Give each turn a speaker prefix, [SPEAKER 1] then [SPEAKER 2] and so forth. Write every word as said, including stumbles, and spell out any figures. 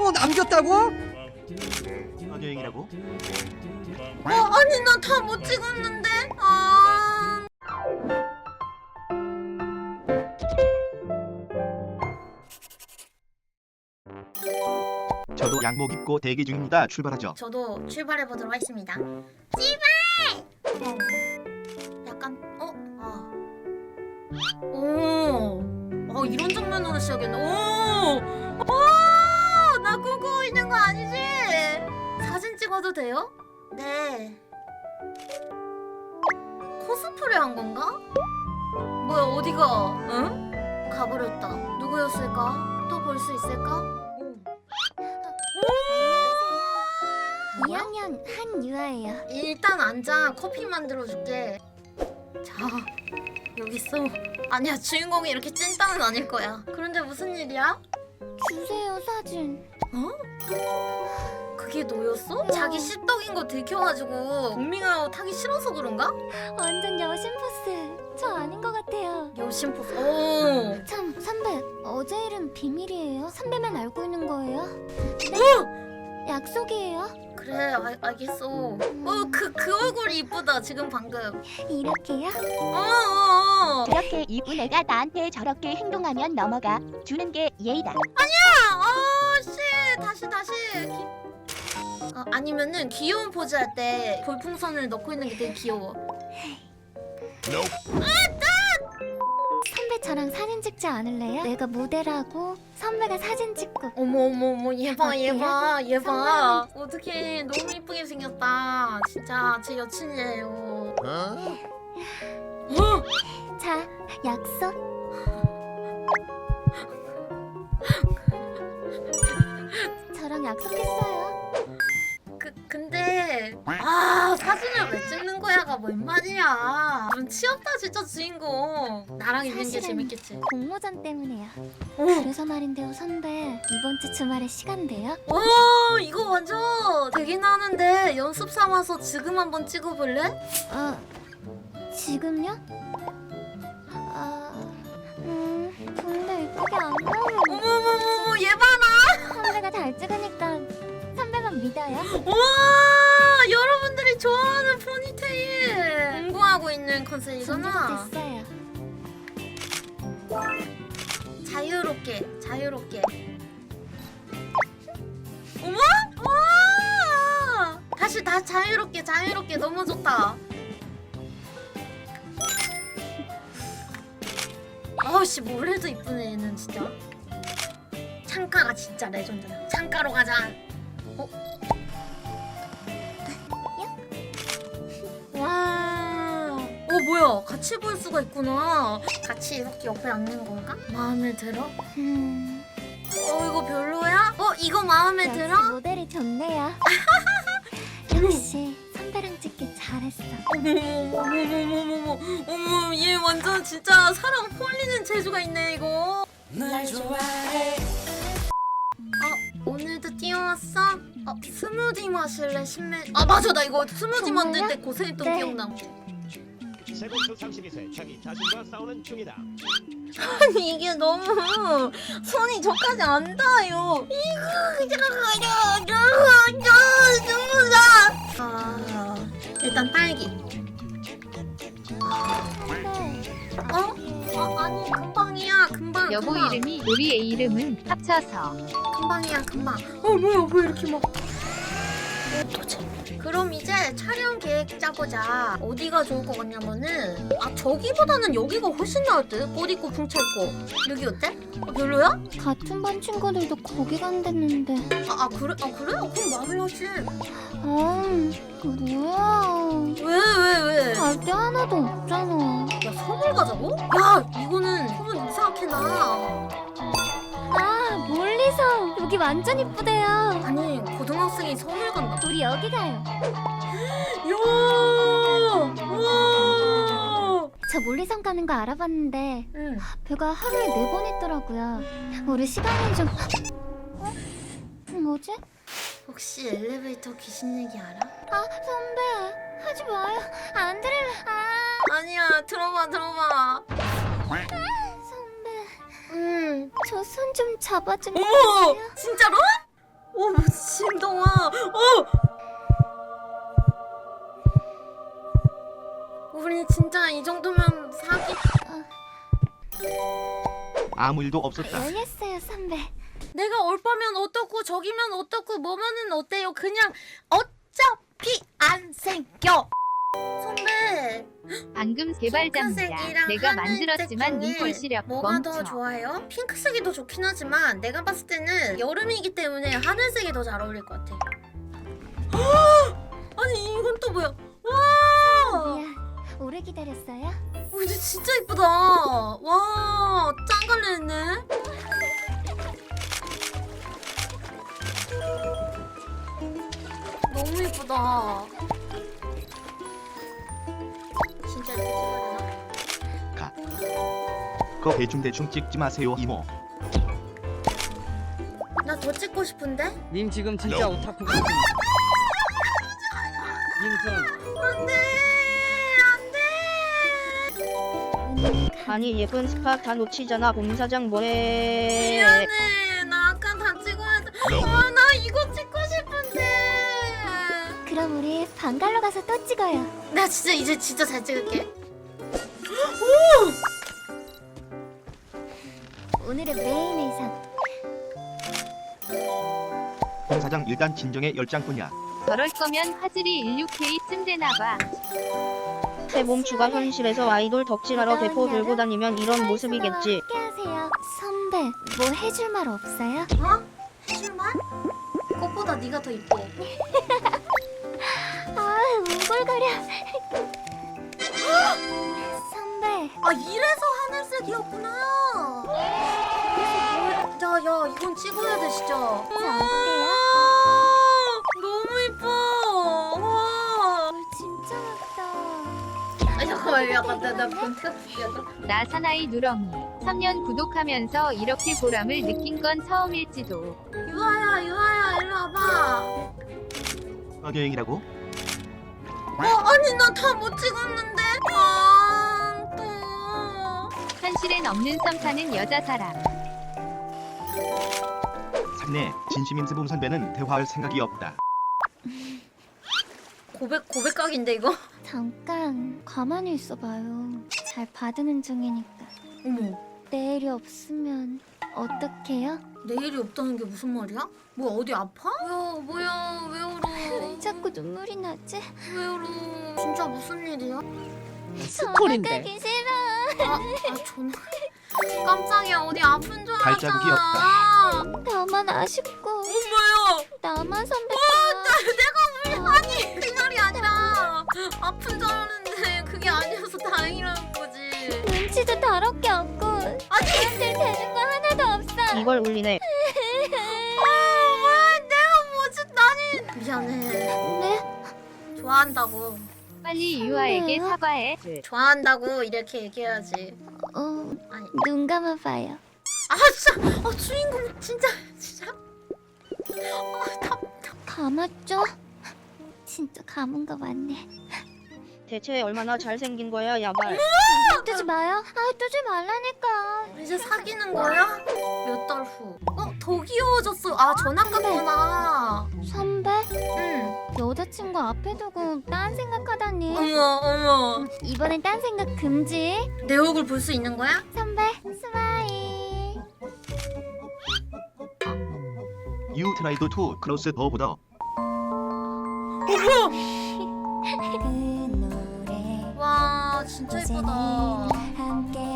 [SPEAKER 1] 또 남겼다고?
[SPEAKER 2] 여행이라고?
[SPEAKER 3] 어 아니 나 다 못 찍었는데. 아.
[SPEAKER 2] 저도 양복 입고 대기 중입니다. 출발하죠.
[SPEAKER 3] 저도 출발해 보도록 하겠습니다. 출발! 어. 약간 어? 아. 오. 어 이런 장면으로 시작했네. 오. 오! 나 꿈꾸고 있는 거 아니지? 사진 찍어도 돼요? 네. 코스프레 한 건가? 뭐야 어디가? 응? 가버렸다. 누구였을까? 또 볼 수 있을까?
[SPEAKER 4] 이 학년 한유아예요.
[SPEAKER 3] 일단 앉아. 커피 만들어줄게. 자, 여기 있어. 아니야, 주인공이 이렇게 찐따는 아닐 거야. 그런데 무슨 일이야?
[SPEAKER 4] 주세요 사진.
[SPEAKER 3] 어? 그게 너였어? 자기 씹덕인 거 들켜가지고 동밍아웃 하기 싫어서 그런가?
[SPEAKER 4] 완전 여신 포스. 저 아닌 것 같아요.
[SPEAKER 3] 여신 포스. 오.
[SPEAKER 4] 참 선배, 어제 일은 비밀이에요. 선배만 알고 있는 거예요?
[SPEAKER 3] 어!
[SPEAKER 4] 약속이에요.
[SPEAKER 3] 그래, 알, 알겠어. 어, 그, 그 얼굴이 이쁘다, 지금 방금.
[SPEAKER 4] 이렇게요?
[SPEAKER 3] 어, 어, 어.
[SPEAKER 5] 이렇게 이쁜 애가 나한테 저렇게 행동하면 넘어가 주는 게 예의다.
[SPEAKER 3] 아, 씨, 다시, 다시. 기... 아, 아니면은 귀여운 포즈 할 때 볼풍선을 넣고 있는 게 되게 귀여워.
[SPEAKER 4] 선배 저랑 사진 찍지 않을래요? 내가 모델하고 선배가 사진 찍고.
[SPEAKER 3] 어머 어머 어머 얘 봐 얘 봐 얘 봐
[SPEAKER 4] 선배는-
[SPEAKER 3] 어떡해 너무 이쁘게 생겼다 진짜 제 여친이에요. 어?
[SPEAKER 4] 자, 약속. 저랑 약속했어요.
[SPEAKER 3] 그 근데 아 사진을 왜 찍는 거야가 뭔 말이야. 좀 치였다 진짜 주인공. 나랑 있는 게
[SPEAKER 4] 사실은-
[SPEAKER 3] 재밌겠지.
[SPEAKER 4] 공모전 때문에요.
[SPEAKER 3] 오,
[SPEAKER 4] 그래서 말인데요 선배, 이번 주 주말에 시간 돼요?
[SPEAKER 3] 오 이거 완전 되긴 하는데 연습 삼아서 지금 한번 찍어볼래?
[SPEAKER 4] 아, 지금요? 아, 음, 근데 이쁘게 안 나오면
[SPEAKER 3] 어머머머머 얘 봐라.
[SPEAKER 4] 선배가 잘 찍으니까 선배만 믿어요.
[SPEAKER 3] 와 여러분들이 좋아하는 포니테일 공부하고 있는 컨셉이잖아.
[SPEAKER 4] 준비됐어요.
[SPEAKER 3] 자유롭게 자유롭게. 어머? 와 다시 다 자유롭게 자유롭게 너무 좋다. 아우씨 뭘 해도 이쁘네 얘는 진짜. 창가가 진짜 레전드야. 창가로 가자. 어? 와. 어 뭐야? 같이 볼 수가 있구나. 같이 이렇게 옆에 앉는 건가? 마음에 들어?
[SPEAKER 4] 음,
[SPEAKER 3] 어 이거 별로야? 어 이거 마음에
[SPEAKER 4] 역시
[SPEAKER 3] 들어?
[SPEAKER 4] 모델이 좋네요. 역시 선배랑 찍기 잘했어.
[SPEAKER 3] 어머머머머머머 어머 얘 완전 진짜 사람 홀리는 재주가 있네 이거. 날 좋아해. 어 오늘도 뛰어왔어? 어 스무디 마실래 신메. 아 맞아 나 이거 스무디 만들 때 고생했던
[SPEAKER 4] 네.
[SPEAKER 3] 기억나.
[SPEAKER 6] 세공수 삼십이 세 자기 자신과 싸우는 중이다.
[SPEAKER 3] 아니 이게 너무 손이 저까지 안 닿아요. 이거 아 일단 딸기.
[SPEAKER 4] 선배,
[SPEAKER 3] 어? 어 아니 금방이야 금방.
[SPEAKER 7] 여보
[SPEAKER 3] 금방.
[SPEAKER 7] 이름이 우리의 이름은 합쳐서
[SPEAKER 3] 금방이야 금방. 어 뭐야 왜 이렇게 막. 도대체. 그럼 이제 촬영 계획 짜보자. 어디가 좋을 것 같냐면은 아 저기보다는 여기가 훨씬 나을 듯. 옷 입고 붕쳐입고. 여기 어때? 어, 별로야?
[SPEAKER 4] 같은 반 친구들도 거기 간댔는데.
[SPEAKER 3] 아, 아 그래? 아 그래? 어, 그럼 말해야지.
[SPEAKER 4] 아, 뭐야?
[SPEAKER 3] 왜 왜 왜?
[SPEAKER 4] 갈 데 하나도 없잖아.
[SPEAKER 3] 야 선물 가자고? 야 이거는 소문 이상하게 나.
[SPEAKER 4] 아, 멀리서 여기 완전 이쁘대요.
[SPEAKER 3] 아니 고등학생이 선물 간다.
[SPEAKER 4] 우리 여기 가요.
[SPEAKER 3] 야! 와!
[SPEAKER 4] 저 몰리선 가는 거 알아봤는데
[SPEAKER 3] 응.
[SPEAKER 4] 배가 하루에 네 번 했더라고요. 우리 시간은 좀... 어? 뭐지?
[SPEAKER 3] 혹시 엘리베이터 귀신 얘기 알아?
[SPEAKER 4] 아, 선배, 하지 마요. 안 들을래. 아,
[SPEAKER 3] 아니야 들어봐 들어봐.
[SPEAKER 4] 선배,
[SPEAKER 3] 응.
[SPEAKER 4] 저 손 좀 잡아주면
[SPEAKER 3] 어머
[SPEAKER 4] 안 돼요?
[SPEAKER 3] 진짜로? 오, 신동아. 어. 우리 진짜 이 정도면 사기.
[SPEAKER 2] 아무 일도 없었다.
[SPEAKER 4] 열렸어요, 선배.
[SPEAKER 3] 내가 얼빠면 어떻고 저기면 어떻고 뭐면은 어때요? 그냥 어차피 안 생겨. 선배.
[SPEAKER 7] 방금 개발자입니다.
[SPEAKER 3] 핑크색이랑
[SPEAKER 7] 내가
[SPEAKER 3] 하늘색
[SPEAKER 7] 만들었지만
[SPEAKER 3] 중에
[SPEAKER 7] 눈꼴 시력
[SPEAKER 3] 뭐가
[SPEAKER 7] 멈춰.
[SPEAKER 3] 더 좋아요? 핑크색이 더 좋긴 하지만 내가 봤을 때는 여름이기 때문에 하늘색이 더 잘 어울릴 것 같아. 아니 이건 또 뭐야? 와!
[SPEAKER 4] 미안. 오래 기다렸어요?
[SPEAKER 3] 어, 근데 진짜 이쁘다. 와, 짱갈래네. 너무 이쁘다. 진짜 이렇게 찍어야 되나?
[SPEAKER 2] 가. 그거 대충대충 찍지 마세요 이모.
[SPEAKER 3] 나 더 찍고 싶은데?
[SPEAKER 1] 님 지금 진짜 오타쿠 같은. 님선
[SPEAKER 3] 안돼, 안돼.
[SPEAKER 8] 아니 예쁜 스파 다 놓치잖아. 봄사장 뭐해.
[SPEAKER 3] 미안해. 나 아까 다 찍어야 돼. 아, 나 이거 찍고 싶은데.
[SPEAKER 4] 그럼 우리 방갈로 가서 또 찍어요.
[SPEAKER 3] 나 진짜 이제 진짜 잘 찍을게.
[SPEAKER 4] 오늘의 메인 의상.
[SPEAKER 2] 홍 사장 일단 진정의 열장뿐이야.
[SPEAKER 7] 저럴 거면 화질이 십육 케이쯤 되나봐.
[SPEAKER 8] 새 몸추가 현실에서 아이돌 덕질하러 대포 들고 다니면 이런 모습이겠지.
[SPEAKER 4] 함께하세요. 선배, 뭐 해줄 말 없어요?
[SPEAKER 3] 어? 해줄 말? 꽃보다 네가 더 이뻐.
[SPEAKER 4] 아, 웅골거려. 선배,
[SPEAKER 3] 아, 이래서 하늘색이었구나. 야, 야, 이건 찍어야 돼 진짜.
[SPEAKER 4] 자, 어때요?
[SPEAKER 3] 아, 너무 이뻐. 와.
[SPEAKER 4] 물 진짜 맑다.
[SPEAKER 3] 아, 잠깐만, 약간 나나 본격 약간.
[SPEAKER 7] 나 사나이 누렁이. 삼 년 구독하면서 이렇게 보람을 느낀 건 처음일지도.
[SPEAKER 3] 유아야, 유아야, 일로 와봐.
[SPEAKER 2] 어, 여행이라고?
[SPEAKER 3] 어, 아니 나 다 못 찍었는데. 아, 또.
[SPEAKER 7] 현실엔 없는 썸 타는 여자 사람.
[SPEAKER 2] 삼내 진심인 스붐 선배는 대화할 생각이 없다.
[SPEAKER 3] 고백 고백각인데 이거.
[SPEAKER 4] 잠깐 가만히 있어봐요. 잘 받는 중이니까.
[SPEAKER 3] 어머.
[SPEAKER 4] 내일이 없으면 어떡해요?
[SPEAKER 3] 내일이 없다는 게 무슨 말이야? 뭐 어디 아파? 뭐야 뭐야 왜 울어?
[SPEAKER 4] 왜 자꾸 눈물이 나지?
[SPEAKER 3] 왜 울어? 진짜 무슨 일이야?
[SPEAKER 1] 스토리인데.
[SPEAKER 4] 가기 싫어.
[SPEAKER 3] 아, 아 전화. 깜짝이야 어디 아픈 줄
[SPEAKER 2] 발자국이
[SPEAKER 3] 알았잖아.
[SPEAKER 4] 나만 아쉽고
[SPEAKER 3] 엄마야.
[SPEAKER 4] 나만 선배가
[SPEAKER 3] 나 내가 왜 아니 그 말이 아니라 아픈 줄 알았는데 그게 아니어서 다행이라는 거지.
[SPEAKER 4] 눈치도 더럽게 없고
[SPEAKER 3] 아니
[SPEAKER 4] 사람들 되는 거 하나도 없어.
[SPEAKER 8] 이걸 울리네.
[SPEAKER 3] 아, 왜 내가 뭐지 나는 미안해.
[SPEAKER 4] 네?
[SPEAKER 3] 좋아한다고.
[SPEAKER 7] 빨리 유아에게
[SPEAKER 4] 선배요?
[SPEAKER 7] 사과해.
[SPEAKER 3] 좋아한다고 이렇게 얘기해야지.
[SPEAKER 4] 어,
[SPEAKER 3] 아니.
[SPEAKER 4] 눈 감아봐요.
[SPEAKER 3] 아 진짜. 어 주인공 진짜 진짜. 아, 답.
[SPEAKER 4] 감았죠? 진짜 감은 거 맞네.
[SPEAKER 8] 대체 얼마나 잘생긴 거야 야발.
[SPEAKER 4] 뜨지 마요. 아, 뜨지 말라니까.
[SPEAKER 3] 이제 사귀는 거야? 몇 달 후. 어, 더 귀여워졌어. 아, 전학 갔구나.
[SPEAKER 4] 선배?
[SPEAKER 3] 응.
[SPEAKER 4] 여자친구 앞에 두고 딴 생각하다니.
[SPEAKER 3] 어머, 어머.
[SPEAKER 4] 이번엔 딴 생각 금지.
[SPEAKER 3] 내 얼굴 볼 수 있는 거야?
[SPEAKER 4] 선배, 스마일.
[SPEAKER 2] You tried to close the border.
[SPEAKER 4] 그 노래
[SPEAKER 3] 와, 진짜 예쁘다.
[SPEAKER 4] 함께